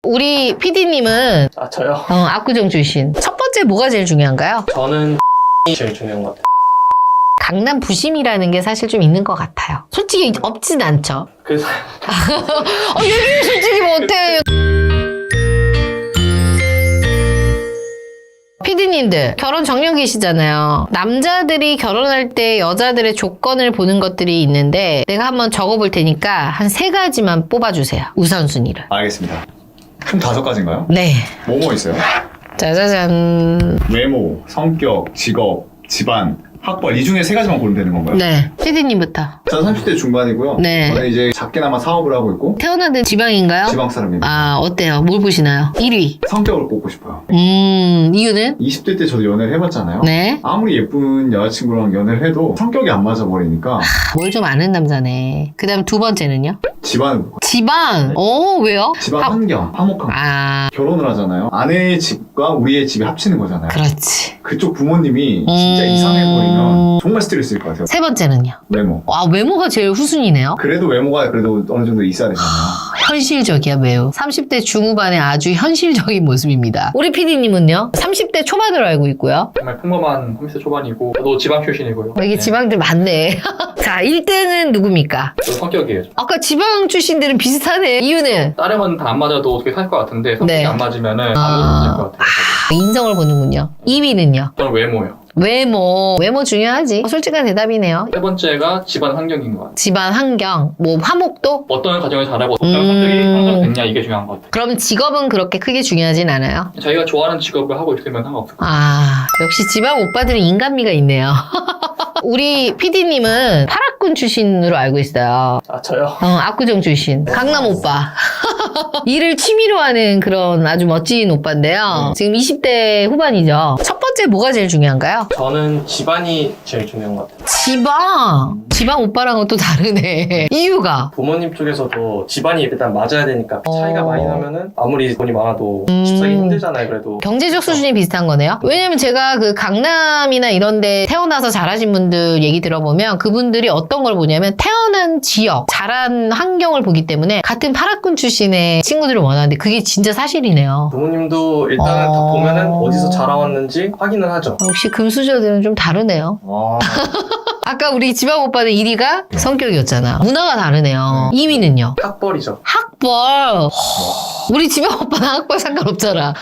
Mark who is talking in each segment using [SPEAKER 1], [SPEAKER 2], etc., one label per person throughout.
[SPEAKER 1] 우리 PD님은
[SPEAKER 2] 저요?
[SPEAKER 1] 압구정 출신. 첫 번째 뭐가 제일 중요한가요?
[SPEAKER 2] 저는 제일 중요한 것 같아요.
[SPEAKER 1] 강남 부심이라는 게 사실 좀 있는 것 같아요. 솔직히 없진 않죠.
[SPEAKER 2] 그래서
[SPEAKER 1] 얘기를 솔직히 못해요. PD님들 결혼 정년기시잖아요. 남자들이 결혼할 때 여자들의 조건을 보는 것들이 있는데 내가 한번 적어볼 테니까 한 3가지만 뽑아주세요. 우선순위를.
[SPEAKER 3] 알겠습니다. 총 5가지인가요?
[SPEAKER 1] 네.
[SPEAKER 3] 뭐뭐 있어요?
[SPEAKER 1] 짜자잔.
[SPEAKER 3] 외모, 성격, 직업, 집안, 학벌 이 중에 3가지만 고르면 되는 건가요?
[SPEAKER 1] 네. PD님부터.
[SPEAKER 3] 저는 30대 중반이고요.
[SPEAKER 1] 네.
[SPEAKER 3] 저는 이제 작게나마 사업을 하고 있고
[SPEAKER 1] 태어난 데 지방인가요?
[SPEAKER 3] 지방 사람입니다.
[SPEAKER 1] 아, 어때요? 뭘 보시나요? 1위.
[SPEAKER 3] 성격을 뽑고 싶어요.
[SPEAKER 1] 이유는?
[SPEAKER 3] 20대 때 저도 연애를 해봤잖아요.
[SPEAKER 1] 네.
[SPEAKER 3] 아무리 예쁜 여자친구랑 연애를 해도 성격이 안 맞아버리니까
[SPEAKER 1] 뭘 좀 아는 남자네. 그 다음 2번째는요?
[SPEAKER 3] 집안을 보고
[SPEAKER 1] 지방. 왜요?
[SPEAKER 3] 집안 환경, 화목한 거.
[SPEAKER 1] 아,
[SPEAKER 3] 결혼을 하잖아요. 아내의 집과 우리의 집이 합치는 거잖아요.
[SPEAKER 1] 그렇지.
[SPEAKER 3] 그쪽 부모님이 진짜 이상해버리면 정말 스트레스일 것 같아요.
[SPEAKER 1] 3번째는요?
[SPEAKER 3] 외모.
[SPEAKER 1] 와, 외모가 제일 후순위네요.
[SPEAKER 3] 그래도 외모가 그래도 어느 정도 있어야 되잖아요.
[SPEAKER 1] 현실적이야, 매우. 30대 중후반의 아주 현실적인 모습입니다. 우리 PD님은요? 30대 초반으로 알고 있고요.
[SPEAKER 2] 정말 평범한 30대 초반이고 저도 지방 출신이고요.
[SPEAKER 1] 이게 지방들 많네. 자, 1등은 누굽니까?
[SPEAKER 2] 저 성격이에요.
[SPEAKER 1] 아까 지방 출신들은 비슷하네. 이유는?
[SPEAKER 2] 다른 다 안 맞아도 어떻게 살 것 같은데 성격이
[SPEAKER 1] 네.
[SPEAKER 2] 안 맞으면은 아무것도 못할 것 같아요.
[SPEAKER 1] 인성을 보는군요. 2위는요?
[SPEAKER 2] 저는 외모요.
[SPEAKER 1] 외모 중요하지. 솔직한 대답이네요.
[SPEAKER 2] 3번째가 집안 환경인 것 같아요.
[SPEAKER 1] 집안 환경, 뭐 화목도?
[SPEAKER 2] 어떤 가정을 잘하고 어떤 성격이 형성됐냐 이게 중요한 것 같아요.
[SPEAKER 1] 그럼 직업은 그렇게 크게 중요하진 않아요?
[SPEAKER 2] 자기가 좋아하는 직업을 하고 있으면 상관없을 것 같아요.
[SPEAKER 1] 아, 역시 지방 오빠들은 인간미가 있네요. 우리 PD님은 파라군 출신으로 알고 있어요.
[SPEAKER 2] 저요?
[SPEAKER 1] 압구정 출신. 강남 오빠. 일을 취미로 하는 그런 아주 멋진 오빠인데요. 지금 20대 후반이죠. 첫 번째 뭐가 제일 중요한가요?
[SPEAKER 2] 저는 집안이 제일 중요한 것 같아요.
[SPEAKER 1] 지방 오빠랑은 또 다르네. 이유가?
[SPEAKER 2] 부모님 쪽에서도 집안이 일단 맞아야 되니까 차이가 많이 나면은 아무리 돈이 많아도
[SPEAKER 1] 음.
[SPEAKER 2] 집 사기 힘들잖아요. 그래도
[SPEAKER 1] 경제적 수준이 비슷한 거네요. 왜냐면 제가 그 강남이나 이런데 태어나서 자라신 분들 얘기 들어보면 그분들이 어떤 걸 보냐면 태어난 지역, 자란 환경을 보기 때문에 같은 파라군 출신의 친구들을 원하는데 그게 진짜 사실이네요.
[SPEAKER 2] 부모님도 일단은 다 보면은 어디서 자라왔는지 확인을 하죠.
[SPEAKER 1] 역시 금수저들은 좀 다르네요.
[SPEAKER 3] 와.
[SPEAKER 1] 아까 우리 지방 오빠는 1위가 성격이었잖아. 문화가 다르네요. 2위는요?
[SPEAKER 2] 학벌이죠.
[SPEAKER 1] 학벌. 우리 지방 오빠는 학벌 상관없잖아.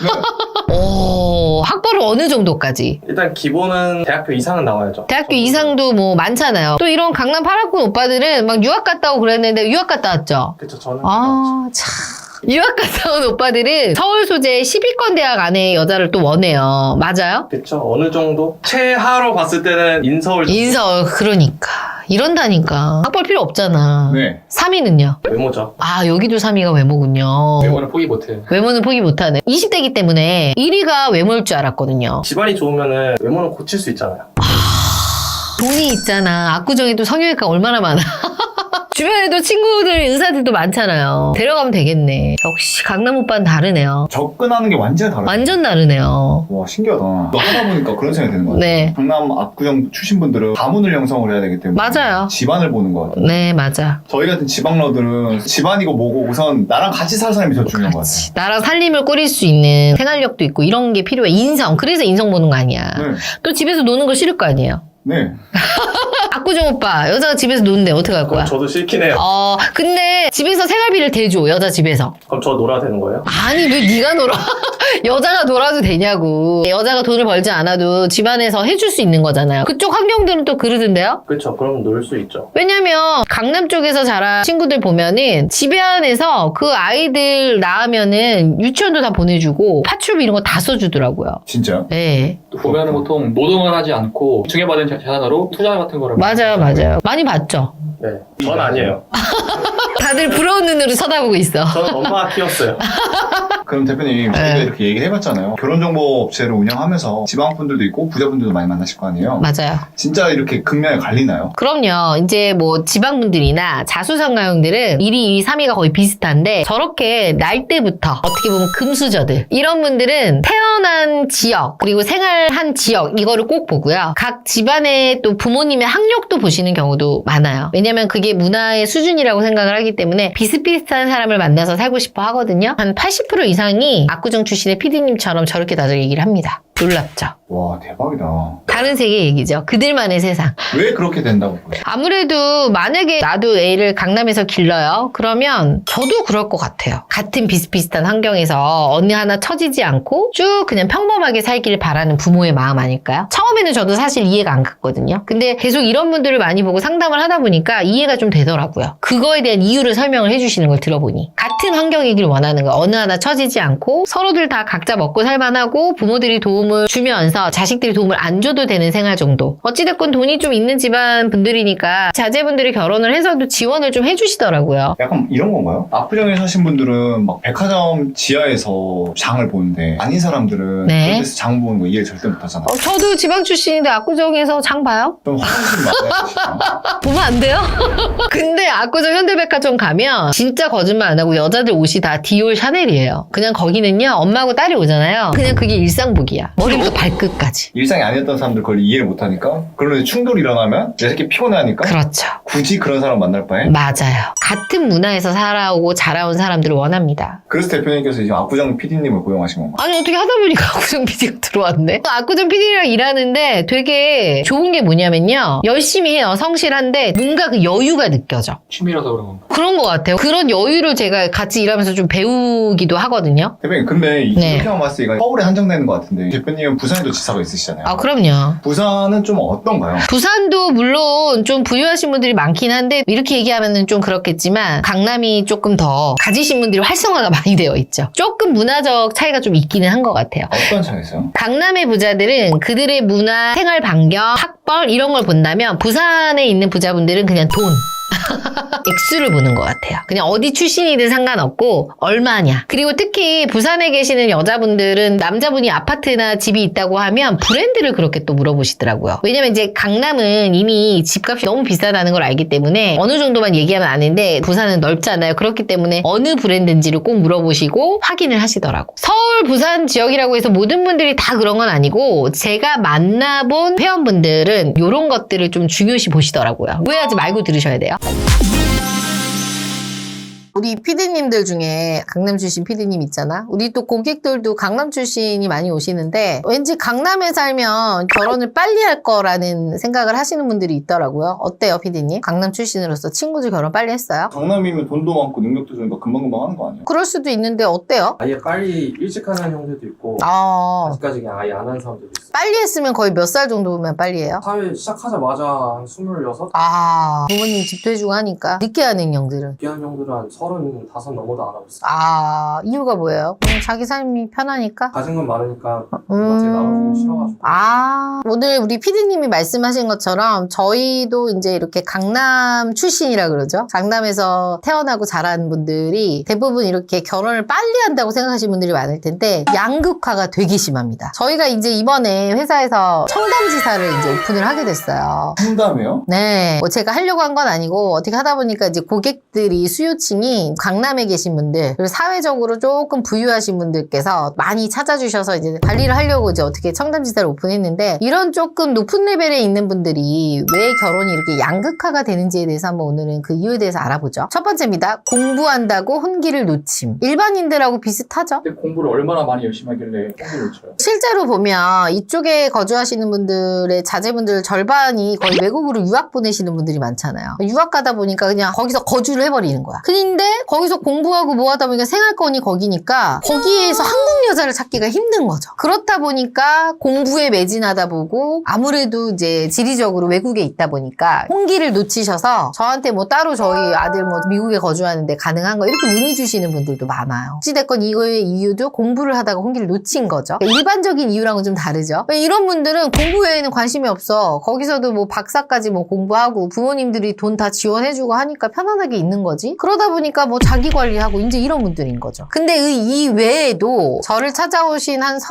[SPEAKER 1] 학벌은 어느 정도까지?
[SPEAKER 2] 일단 기본은 대학교 이상은 나와야죠.
[SPEAKER 1] 대학교 이상도 뭐 많잖아요. 또 이런 강남 파라군 오빠들은 막 유학 갔다 오고 그랬는데 유학 갔다 왔죠?
[SPEAKER 2] 그쵸, 저는.
[SPEAKER 1] 참. 유학 갔다 온 오빠들은 서울 소재 10위권 대학 안에 여자를 또 원해요. 맞아요?
[SPEAKER 2] 그쵸, 어느 정도? 최하로 봤을 때는 인서울.
[SPEAKER 1] 그러니까. 이런다니까. 학벌 필요 없잖아.
[SPEAKER 3] 네.
[SPEAKER 1] 3위는요?
[SPEAKER 2] 외모죠.
[SPEAKER 1] 아, 여기도 3위가 외모군요.
[SPEAKER 2] 외모는 포기 못해요.
[SPEAKER 1] 외모는 포기 못하네. 20대이기 때문에 1위가 외모일 줄 알았거든요.
[SPEAKER 2] 집안이 좋으면은 외모는 고칠 수 있잖아요.
[SPEAKER 1] 돈이 있잖아. 압구정에도 성형외과 얼마나 많아. 주변에도 친구들, 의사들도 많잖아요. 데려가면 되겠네. 역시 강남 오빠는 다르네요.
[SPEAKER 3] 접근하는 게 완전히 다르죠.
[SPEAKER 1] 완전 다르네요.
[SPEAKER 3] 와, 신기하다. 너 하다 보니까 그런 생각이 드는 것 같아요.
[SPEAKER 1] 네.
[SPEAKER 3] 강남 압구정 출신 분들은 가문을 형성을 해야 되기 때문에
[SPEAKER 1] 맞아요.
[SPEAKER 3] 집안을 보는 것 같아요.
[SPEAKER 1] 네, 맞아.
[SPEAKER 3] 저희 같은 지방러들은 집안이고 뭐고 우선 나랑 같이 살 사람이 더 중요한 것 같아요.
[SPEAKER 1] 나랑 살림을 꾸릴 수 있는 생활력도 있고 이런 게 필요해. 인성. 그래서 인성 보는 거 아니야.
[SPEAKER 3] 네.
[SPEAKER 1] 또 집에서 노는 거 싫을 거 아니에요.
[SPEAKER 3] 네.
[SPEAKER 1] 압구정 오빠, 여자가 집에서 노는데 어떻게 할 거야?
[SPEAKER 2] 저도 싫긴 해요.
[SPEAKER 1] 근데 집에서 생활비를 대줘, 여자 집에서.
[SPEAKER 2] 그럼 저 놀아야 되는 거예요?
[SPEAKER 1] 아니, 왜 네가 놀아? 여자가 놀아도 되냐고. 여자가 돈을 벌지 않아도 집안에서 해줄 수 있는 거잖아요. 그쪽 환경들은 또 그러던데요?
[SPEAKER 2] 그쵸, 그럼 놀 수 있죠.
[SPEAKER 1] 왜냐면 강남 쪽에서 자란 친구들 보면은 집안에서 그 아이들 낳으면은 유치원도 다 보내주고 파출비 이런 거 다 써주더라고요.
[SPEAKER 3] 진짜요?
[SPEAKER 1] 네.
[SPEAKER 2] 또 보면은 보통 노동을 하지 않고 증여받은 재산으로 투자 같은 거를
[SPEAKER 1] 맞아요. 많이 봤죠?
[SPEAKER 2] 네, 전 아니에요.
[SPEAKER 1] 다들 부러운 눈으로 쳐다보고 있어.
[SPEAKER 2] 저는 엄마가 키웠어요.
[SPEAKER 3] 그럼 대표님 저희가
[SPEAKER 1] 네.
[SPEAKER 3] 이렇게 얘기를 해봤잖아요. 결혼정보업체를 운영하면서 지방분들도 있고 부자분들도 많이 만나실 거 아니에요.
[SPEAKER 1] 맞아요.
[SPEAKER 3] 진짜 이렇게 극명히 갈리나요?
[SPEAKER 1] 그럼요. 이제 뭐 지방분들이나 자수성가형들은 1위, 2위, 3위가 거의 비슷한데 저렇게 날 때부터 어떻게 보면 금수저들 이런 분들은 태어난 지역 그리고 생활한 지역 이거를 꼭 보고요. 각 집안의 또 부모님의 학력도 보시는 경우도 많아요. 왜냐면 그게 문화의 수준이라고 생각을 하기 때문에 비슷비슷한 사람을 만나서 살고 싶어 하거든요. 한 80% 이상이 압구정 출신의 PD님처럼 저렇게 다들 얘기를 합니다. 놀랍죠?
[SPEAKER 3] 와 대박이다.
[SPEAKER 1] 다른 세계 얘기죠. 그들만의 세상.
[SPEAKER 3] 왜 그렇게 된다고 보세요?
[SPEAKER 1] 아무래도 만약에 나도 애를 강남에서 길러요. 그러면 저도 그럴 것 같아요. 같은 비슷비슷한 환경에서 어느 하나 처지지 않고 쭉 그냥 평범하게 살기를 바라는 부모의 마음 아닐까요? 처음에는 저도 사실 이해가 안 갔거든요. 근데 계속 이런 분들을 많이 보고 상담을 하다 보니까 이해가 좀 되더라고요. 그거에 대한 이유를 설명을 해주시는 걸 들어보니 같은 환경이길 원하는 거예요. 어느 하나 처지지 않고 서로들 다 각자 먹고 살만하고 부모들이 도움을 주면서 자식들이 도움을 안 줘도 되는 생활 정도. 어찌됐건 돈이 좀 있는 집안 분들이니까 자제분들이 결혼을 해서도 지원을 좀 해주시더라고요.
[SPEAKER 3] 약간 이런 건가요? 압구정에 사신 분들은 막 백화점 지하에서 장을 보는데 아닌 사람들은
[SPEAKER 1] 네.
[SPEAKER 3] 그런 데서 장 보는 거 이해 절대 못 하잖아요.
[SPEAKER 1] 저도 지방 출신인데 압구정에서 장 봐요?
[SPEAKER 3] 좀 화장실 맞아야 되시나?
[SPEAKER 1] 보면 안 돼요? 근데 압구정 현대백화점 가면 진짜 거짓말 안 하고 여자들 옷이 다 디올 샤넬이에요. 그냥 거기는요 엄마하고 딸이 오잖아요. 그냥 그게 일상복이야. 머리부터 발끝까지.
[SPEAKER 3] 일상이 아니었던 사람들 그걸 이해를 못 하니까 그러면 충돌이 일어나면 내 새끼 피곤해하니까
[SPEAKER 1] 그렇죠.
[SPEAKER 3] 굳이 그런 사람 만날 바에
[SPEAKER 1] 맞아요. 같은 문화에서 살아오고 자라온 사람들을 원합니다.
[SPEAKER 3] 그래서 대표님께서 지금 압구정 PD님을 고용하신 건가요?
[SPEAKER 1] 아니 어떻게 하다 보니까 압구정 PD가 들어왔네. 압구정 PD랑 일하는데 되게 좋은 게 뭐냐면요. 열심히 해요. 성실한데 뭔가 그 여유가 느껴져.
[SPEAKER 2] 취미라서 그런 건가?
[SPEAKER 1] 그런 것 같아요. 그런 여유를 제가 같이 일하면서 좀 배우기도 하거든요.
[SPEAKER 3] 대표님 근데
[SPEAKER 1] 네.
[SPEAKER 3] 이렇게만 봤을 때 이거 서울에 한정되는 것 같은데 대표님은 부산에도 지사가 있으시잖아요.
[SPEAKER 1] 아 그럼요.
[SPEAKER 3] 부산은 좀 어떤가요?
[SPEAKER 1] 부산도 물론 좀 부유하신 분들이 많긴 한데 이렇게 얘기하면 좀 그렇겠지만 강남이 조금 더 가지신 분들이 활성화가 많이 되어 있죠. 조금 문화적 차이가 좀 있기는 한 것 같아요.
[SPEAKER 3] 어떤 차이 있어요?
[SPEAKER 1] 강남의 부자들은 그들의 문화, 생활 반경, 학벌 이런 걸 본다면 부산에 있는 부자분들은 그냥 돈. 액수를 보는 것 같아요. 그냥 어디 출신이든 상관없고 얼마냐. 그리고 특히 부산에 계시는 여자분들은 남자분이 아파트나 집이 있다고 하면 브랜드를 그렇게 또 물어보시더라고요. 왜냐면 이제 강남은 이미 집값이 너무 비싸다는 걸 알기 때문에 어느 정도만 얘기하면 아는데 부산은 넓잖아요. 그렇기 때문에 어느 브랜드인지를 꼭 물어보시고 확인을 하시더라고. 서울, 부산 지역이라고 해서 모든 분들이 다 그런 건 아니고 제가 만나본 회원분들은 이런 것들을 좀 중요시 보시더라고요. 오해하지 말고 들으셔야 돼요. 우리 PD님들 중에 강남 출신 PD님 있잖아. 우리 또 고객들도 강남 출신이 많이 오시는데 왠지 강남에 살면 결혼을 빨리 할 거라는 생각을 하시는 분들이 있더라고요. 어때요, PD님? 강남 출신으로서 친구들 결혼 빨리 했어요?
[SPEAKER 3] 강남이면 돈도 많고 능력도 좋으니까 금방금방 하는 거 아니에요?
[SPEAKER 1] 그럴 수도 있는데 어때요?
[SPEAKER 2] 아예 빨리 일찍 하는 형들도 있고
[SPEAKER 1] 아,
[SPEAKER 2] 아직까지 그냥 아예 안 하는 사람들도 있어요.
[SPEAKER 1] 빨리 했으면 거의 몇 살 정도면 빨리 해요?
[SPEAKER 2] 사회 시작하자마자 한 26?
[SPEAKER 1] 아, 부모님 집도 해주고 하니까 늦게 하는 형들은.
[SPEAKER 2] 귀한 형들은 한 35 넘어도 안 하고 있어요.
[SPEAKER 1] 아, 이유가 뭐예요? 그냥 자기 삶이 편하니까?
[SPEAKER 2] 가진 건 많으니까 누가 제 나눠주기 싫어가지고.
[SPEAKER 1] 아, 오늘 우리 PD님이 말씀하신 것처럼 저희도 이제 이렇게 강남 출신이라 그러죠. 강남에서 태어나고 자란 분들이 대부분 이렇게 결혼을 빨리 한다고 생각하시는 분들이 많을 텐데 양극화가 되게 심합니다. 저희가 이제 이번에 회사에서 청담지사를 이제 오픈을 하게 됐어요.
[SPEAKER 3] 상담이요?
[SPEAKER 1] 네. 뭐 제가 하려고 한 건 아니고 어떻게 하다 보니까 이제 고객들이 수요층이 강남에 계신 분들 그리고 사회적으로 조금 부유하신 분들께서 많이 찾아주셔서 이제 관리를 하려고 이제 어떻게 청담지사를 오픈했는데 이런 조금 높은 레벨에 있는 분들이 왜 결혼이 이렇게 양극화가 되는지에 대해서 한번 오늘은 그 이유에 대해서 알아보죠. 첫 번째입니다. 공부한다고 혼기를 놓침. 일반인들하고 비슷하죠?
[SPEAKER 4] 근데 공부를 얼마나 많이 열심히 하길래 공부를 쳐요?
[SPEAKER 1] 실제로 보면 이쪽에 거주하시는 분들의 자제분들 절반이 거의 외국으로 유학 보내시는 분들이 많잖아요. 유학 가다 보니까 그냥 거기서 거주를 해버리는 거야. 근데 거기서 공부하고 뭐 하다 보니까 생활권이 거기니까 거기에서 한국 여자를 찾기가 힘든 거죠. 그렇다 보니까 공부에 매진하다 보고 아무래도 이제 지리적으로 외국에 있다 보니까 홍기를 놓치셔서 저한테 뭐 따로 저희 아들 뭐 미국에 거주하는데 가능한 거 이렇게 문의 주시는 분들도 많아요. 어찌됐건 이거의 이유도 공부를 하다가 홍기를 놓친 거죠. 그러니까 일반적인 이유랑은 좀 다르죠. 이런 분들은 공부 외에는 관심이 없어. 거기서도 뭐 박사까지 뭐 공부하고 부모님들이 돈 다 지원해주고 하니까 편안하게 있는 거지. 그러다 보니까 보니까 뭐 자기 관리하고 이제 이런 분들인 거죠. 근데 이 외에도 저를 찾아오신 한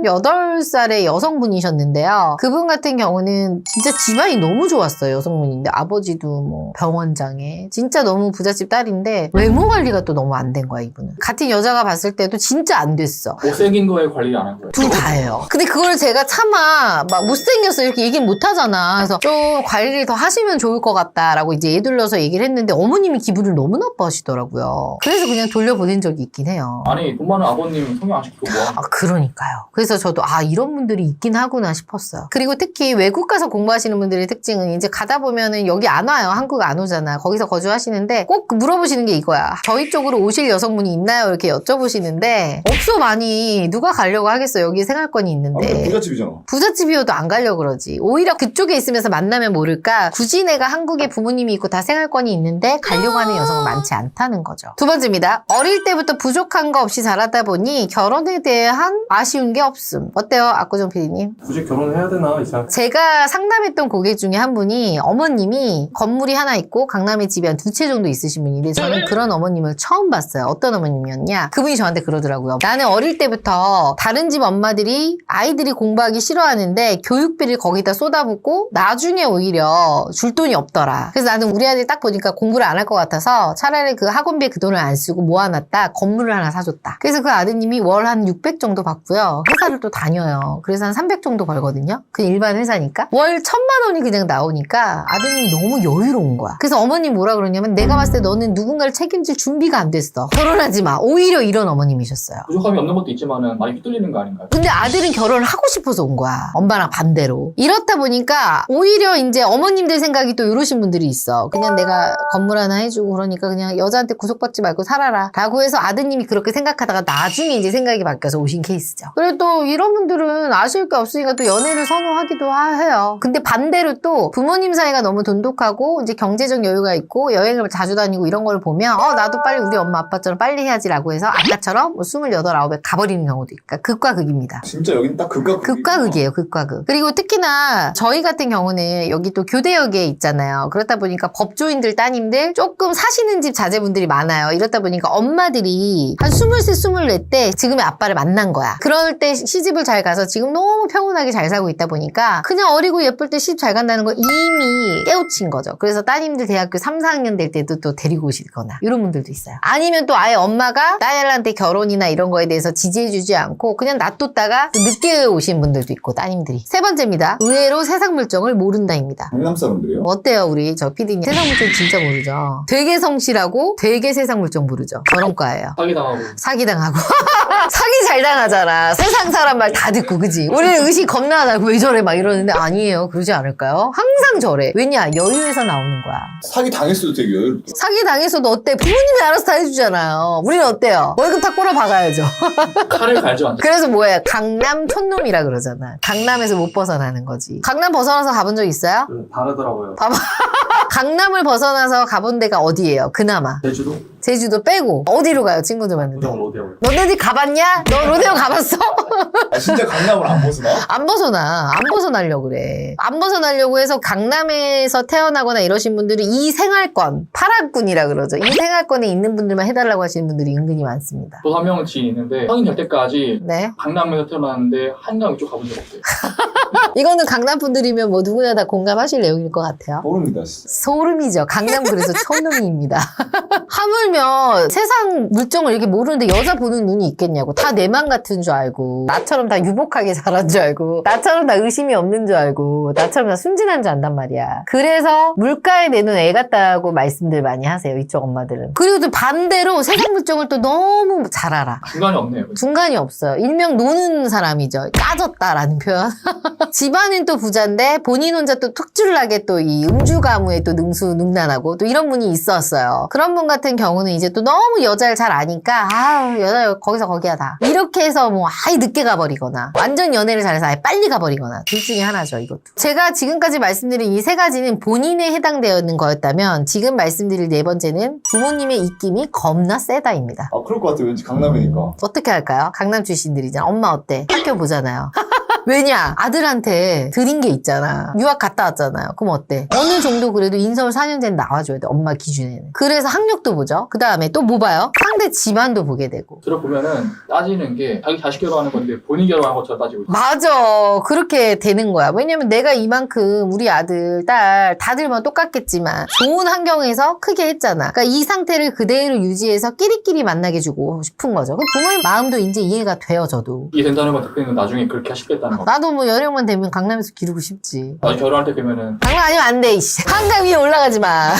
[SPEAKER 1] 38살의 여성분이셨는데요. 그분 같은 경우는 진짜 집안이 너무 좋았어요. 여성분인데 아버지도 뭐 병원장에 진짜 너무 부잣집 딸인데 외모 관리가 또 너무 안 된 거야 이분은. 같은 여자가 봤을 때도 진짜 안 됐어.
[SPEAKER 4] 못생긴 거에 관리 안 한 거예요.
[SPEAKER 1] 둘 다예요. 근데 그걸 제가 차마 막 못생겼어 이렇게 얘기 못 하잖아. 그래서 좀 관리를 더 하시면 좋을 것 같다라고 이제 예둘러서 얘기를 했는데 어머님이 기분을 너무 나빠하시더라고요. 그래서 그냥 돌려보낸 적이 있긴 해요.
[SPEAKER 4] 아니 돈 많은 아버님 성형 안 시키고 뭐
[SPEAKER 1] 아, 그러니까요. 그래서 저도 이런 분들이 있긴 하구나 싶었어요. 그리고 특히 외국 가서 공부하시는 분들의 특징은 이제 가다 보면은 여기 안 와요. 한국 안 오잖아. 거기서 거주하시는데 꼭 물어보시는 게 이거야. 저희 쪽으로 오실 여성분이 있나요? 이렇게 여쭤보시는데 없어 많이. 누가 가려고 하겠어. 여기 생활권이 있는데.
[SPEAKER 3] 부잣집이잖아.
[SPEAKER 1] 부잣집이어도 안 가려고 그러지. 오히려 그쪽에 있으면서 만나면 모를까 굳이 내가 한국에 부모님이 있고 다 생활권이 있는데 가려고 하는 여성은 많지 않다는 거죠. 두 번째입니다. 어릴 때부터 부족한 거 없이 자라다 보니 결혼에 대한 아쉬운 게 없음. 어때요? 압구정 PD님?
[SPEAKER 2] 굳이 결혼해야 되나 이상.
[SPEAKER 1] 제가 상담했던 고객 중에 한 분이 어머님이 건물이 하나 있고 강남에 집이 한 2채 정도 있으신 분인데 저는 그런 어머님을 처음 봤어요. 어떤 어머님이었냐? 그분이 저한테 그러더라고요. 나는 어릴 때부터 다른 집 엄마들이 아이들이 공부하기 싫어하는데 교육비를 거기다 쏟아붓고 나중에 오히려 줄 돈이 없더라. 그래서 나는 우리 아들 딱 보니까 공부를 안 할 것 같아서 차라리 그 학원비에 그 돈을 안 쓰고 모아놨다 건물을 하나 사줬다. 그래서 그 아드님이 월 한 600 정도 받고요. 회사를 또 다녀요. 그래서 한 300 정도 벌거든요. 그냥 일반 회사니까. 월 1000만 원이 그냥 나오니까 아드님이 너무 여유로운 거야. 그래서 어머님 뭐라 그러냐면 내가 봤을 때 너는 누군가를 책임질 준비가 안 됐어. 결혼하지 마. 오히려 이런 어머님이셨어요.
[SPEAKER 4] 부족함이 없는 것도 있지만은 많이 휘둘리는 거 아닌가요?
[SPEAKER 1] 근데 아들은 결혼을 하고 싶어서 온 거야. 엄마랑 반대로. 이렇다 보니까 오히려 이제 어머님들 생각이 또 이러신 분들이 있어. 그냥 내가 건물 하나 해주고 그러니까 그냥 여자한테 구속받지 말고 살아라. 라고 해서 아드님이 그렇게 생각하다가 나중에 이제 생각이 바뀌어서 오신 케이스죠. 그리고 또 이런 분들은 아쉬울 게 없으니까 또 연애를 선호하기도 해요. 근데 반대로 또 부모님 사이가 너무 돈독하고 이제 경제적 여유가 있고 여행을 자주 다니고 이런 걸 보면 나도 빨리 우리 엄마 아빠처럼 빨리 해야지라고 해서 아까처럼 뭐 28, 9에 가버리는 경우도 있고 그러니까 극과 극입니다.
[SPEAKER 3] 진짜 여긴 딱 극과
[SPEAKER 1] 극과 극이에요. 극과 극. 그리고 특히나 저희 같은 경우는 여기 또 교대역에 있잖아요. 그렇다 보니까 법조인들 따님들 조금 사시는 집 자제분들이 많아요. 이렇다 보니까 엄마들이 한 23, 24 때 지금의 아빠를 만난 거야. 그럴 때 시집을 잘 가서 지금 너무 평온하게 잘 살고 있다 보니까 그냥 어리고 예쁠 때 시집 잘 간다는 걸 이미 깨우친 거죠. 그래서 따님들 대학교 3, 4학년 될 때도 또 데리고 오시거나 이런 분들도 있어요. 아니면 또 아예 엄마가 딸한테 결혼이나 이런 거에 대해서 지지해주지 않고 그냥 놔뒀다가 또 늦게 오신 분들도 있고 따님들이. 세 번째입니다. 의외로 세상 물정을 모른다입니다.
[SPEAKER 3] 강남 사람들이요?
[SPEAKER 1] 어때요 우리 저 PD님? 세상 물정 진짜 모르죠. 되게 성실하고 되게 세상 물정 모르죠. 저런과예요.
[SPEAKER 4] 사기당하고
[SPEAKER 1] 사기당하고 사기 잘 당하잖아. 세상 사람 말 다 듣고 그지? 우리는 의식 겁나 나고 왜 저래 막 이러는데 아니에요. 그러지 않을까요? 항상 저래. 왜냐? 여유에서 나오는 거야.
[SPEAKER 3] 사기 당했어도 되게 여유롭다.
[SPEAKER 1] 사기 당해서도 어때? 부모님이 알아서 다 해주잖아요. 우리는 어때요? 월급 다 꼬라 박아야죠.
[SPEAKER 4] 칼을 갈죠 완전.
[SPEAKER 1] 그래서 뭐야? 강남 촌놈이라 그러잖아. 강남에서 못 벗어나는 거지. 강남 벗어나서 가본 적 있어요?
[SPEAKER 2] 좀 다르더라고요.
[SPEAKER 1] 강남을 벗어나서 가본 데가 어디예요? 그나마.
[SPEAKER 2] 제주도?
[SPEAKER 1] 제주도 빼고 어디로 가요? 친구들 만는데.
[SPEAKER 2] 부정 로데오요.
[SPEAKER 1] 너네들 가봤냐? 너 로데오 가봤어?
[SPEAKER 3] 진짜 강남을 안 벗어나?
[SPEAKER 1] 안 벗어나. 안 벗어나려고 그래. 안 벗어나려고 해서 강남에서 태어나거나 이러신 분들이 이 생활권, 파란꾼이라 그러죠. 이 생활권에 있는 분들만 해달라고 하시는 분들이 은근히 많습니다.
[SPEAKER 4] 또 한 명은 지인이 있는데 성인 될 때까지
[SPEAKER 1] 네.
[SPEAKER 4] 강남에서 태어났는데 한강 이쪽 가본 적 없대요.
[SPEAKER 1] 이거는 강남 분들이면 뭐 누구나 다 공감하실 내용일 것 같아요.
[SPEAKER 3] 모릅니다. 진짜.
[SPEAKER 1] 소름이죠. 강남 그래서 촌놈이입니다. 하물며 세상 물정을 이렇게 모르는데 여자 보는 눈이 있겠냐고. 다 내 맘 같은 줄 알고 나처럼 다 유복하게 자란 줄 알고 나처럼 다 의심이 없는 줄 알고 나처럼 다 순진한 줄 안단 말이야. 그래서 물가에 내는 애 같다고 말씀들 많이 하세요. 이쪽 엄마들은. 그리고 또 반대로 세상 물정을 또 너무 잘 알아.
[SPEAKER 4] 중간이 없네요.
[SPEAKER 1] 중간이 없어요. 일명 노는 사람이죠. 까졌다라는 표현. 집안은 또 부자인데 본인 혼자 또 특출나게 또 이 음주 가무에 또 능수능란하고 또 이런 분이 있었어요. 그런 분 같은 경우는 이제 또 너무 여자를 잘 아니까 여자 거기서 거기야 다. 이렇게 해서 뭐 아예 늦게 가버리거나 완전 연애를 잘해서 아예 빨리 가버리거나 둘 중에 하나죠. 이것도. 제가 지금까지 말씀드린 이 세 가지는 본인에 해당되는 거였다면 지금 말씀드릴 네 번째는 부모님의 입김이 겁나 세다입니다.
[SPEAKER 3] 그럴 것 같아. 왠지 강남이니까.
[SPEAKER 1] 어떻게 할까요? 강남 출신들이잖아. 엄마 어때? 학교 보잖아요. 왜냐? 아들한테 드린 게 있잖아. 유학 갔다 왔잖아요. 그럼 어때? 어느 정도 그래도 인서울 4년제는 나와줘야 돼. 엄마 기준에는. 그래서 학력도 보죠. 그 다음에 또 뭐 봐요? 상대 집안도 보게 되고.
[SPEAKER 4] 들어보면은 따지는 게 자기 자식 결혼하는 건데 본인 결혼한 것처럼 따지고 있어요.
[SPEAKER 1] 맞아. 그렇게 되는 거야. 왜냐면 내가 이만큼 우리 아들, 딸 다들만 똑같겠지만 좋은 환경에서 크게 했잖아. 그러니까 이 상태를 그대로 유지해서 끼리끼리 만나게 주고 싶은 거죠. 그 부모님 마음도 이제 이해가 돼요, 저도.
[SPEAKER 4] 이해 된다는 건 대표님은 나중에 그렇게 하시겠다는 거.
[SPEAKER 1] 나도 뭐 연령만 되면 강남에서 기르고 싶지.
[SPEAKER 4] 나중에 결혼할 때 되면은
[SPEAKER 1] 장난 아니면 안 돼, 이씨. 한강 위에 올라가지 마.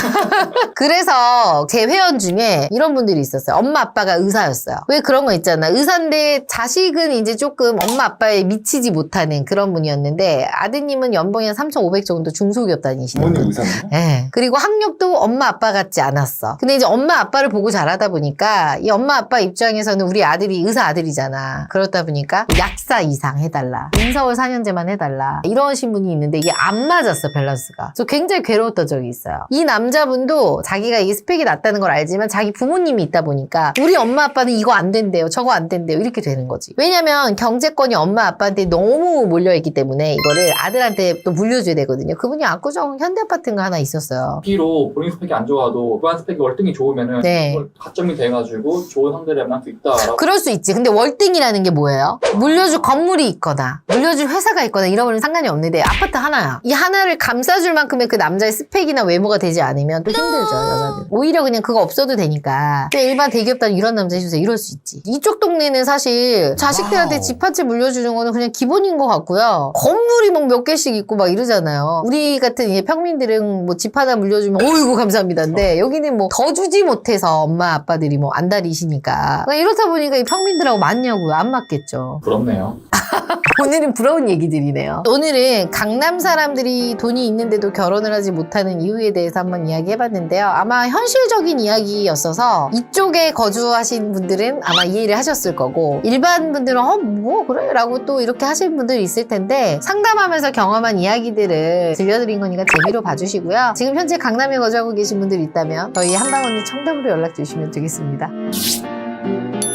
[SPEAKER 1] 그래서 제 회원 중에 이런 분들이 있었어요. 엄마, 아빠가 의사였어요. 왜 그런 거 있잖아. 의사인데 자식은 이제 조금 엄마, 아빠에 미치지 못하는 그런 분이었는데 아드님은 연봉이 한 3,500 정도 중소기업 다니시는
[SPEAKER 3] 부모님
[SPEAKER 1] 분.
[SPEAKER 3] 의사인가?
[SPEAKER 1] 예. 그리고 학력도 엄마, 아빠 같지 않았어. 근데 이제 엄마, 아빠를 보고 자라다 보니까 이 엄마, 아빠 입장에서는 우리 아들이 의사 아들이잖아. 그렇다 보니까 약사 이상 해달라. 인서울 4년제만 해달라. 이러신 분이 있는데 이게 안 맞았어, 밸런스가. 그래서 굉장히 괴로웠던 적이 있어요. 이 남자분도 자기가 이게 스펙이 낮다는 걸 알지만 자기 부모님이 있다 보니까 우리 엄마, 아빠는 이거 안 된대요. 저거 안 된대요. 이렇게 되는 거지. 왜냐면 경제권이 엄마, 아빠한테 너무 몰려있기 때문에 이거를 아들한테 또 물려줘야 되거든요. 그분이 압구정 현대아파트인가 하나 있었어요.
[SPEAKER 4] 비로 본인 스펙이 안 좋아도 집안 스펙이 월등히 좋으면은
[SPEAKER 1] 네.
[SPEAKER 4] 그걸 가점이 돼가지고 좋은 상대를 만날 수 있다라고.
[SPEAKER 1] 그럴 수 있지. 근데 월등이라는 게 뭐예요? 물려줄 건물이 있거나 물려줄 회사가 있거나 이러면 상관이 없는데 아파트 하나야. 이 하나를 감싸줄 만큼의 그 남자의 스펙이나 외모가 되지 않으면 또 힘들죠, 여자들. 오히려 그냥 그거 없어도 되니까. 근데 일반 대기업단 이런 남자 해주세요. 이럴 수 있지. 이쪽 동네는 사실 자식들한테 집 한 채 물려주는 거는 그냥 기본인 것 같고요. 건물이 막 몇 개씩 있고 막 이러잖아요. 우리 같은 이제 평민들은 뭐 집 하나 물려주면 어이구 감사합니다인데 여기는 뭐 더 주지 못해서 엄마 아빠들이 뭐 안달이시니까 이렇다 보니까 이 평민들하고 맞냐고요. 안 맞겠죠.
[SPEAKER 4] 부럽네요.
[SPEAKER 1] 오늘은 부러운 얘기들이네요. 오늘은 강남 사람들이 돈이 있는데도 결혼을 하지 못하는 이유에 대해서 한번 이야기해봤는데요. 아마 현실적인 이야기였어서 이쪽에 거주하신 분들은 아마 이해를 하셨을 거고 일반 분들은 뭐 그래? 라고 또 이렇게 하실 분들이 있을 텐데 상담하면서 경험한 이야기들을 들려드린 거니까 재미로 봐주시고요. 지금 현재 강남에 거주하고 계신 분들이 있다면 저희 한방언니 청담으로 연락 주시면 되겠습니다.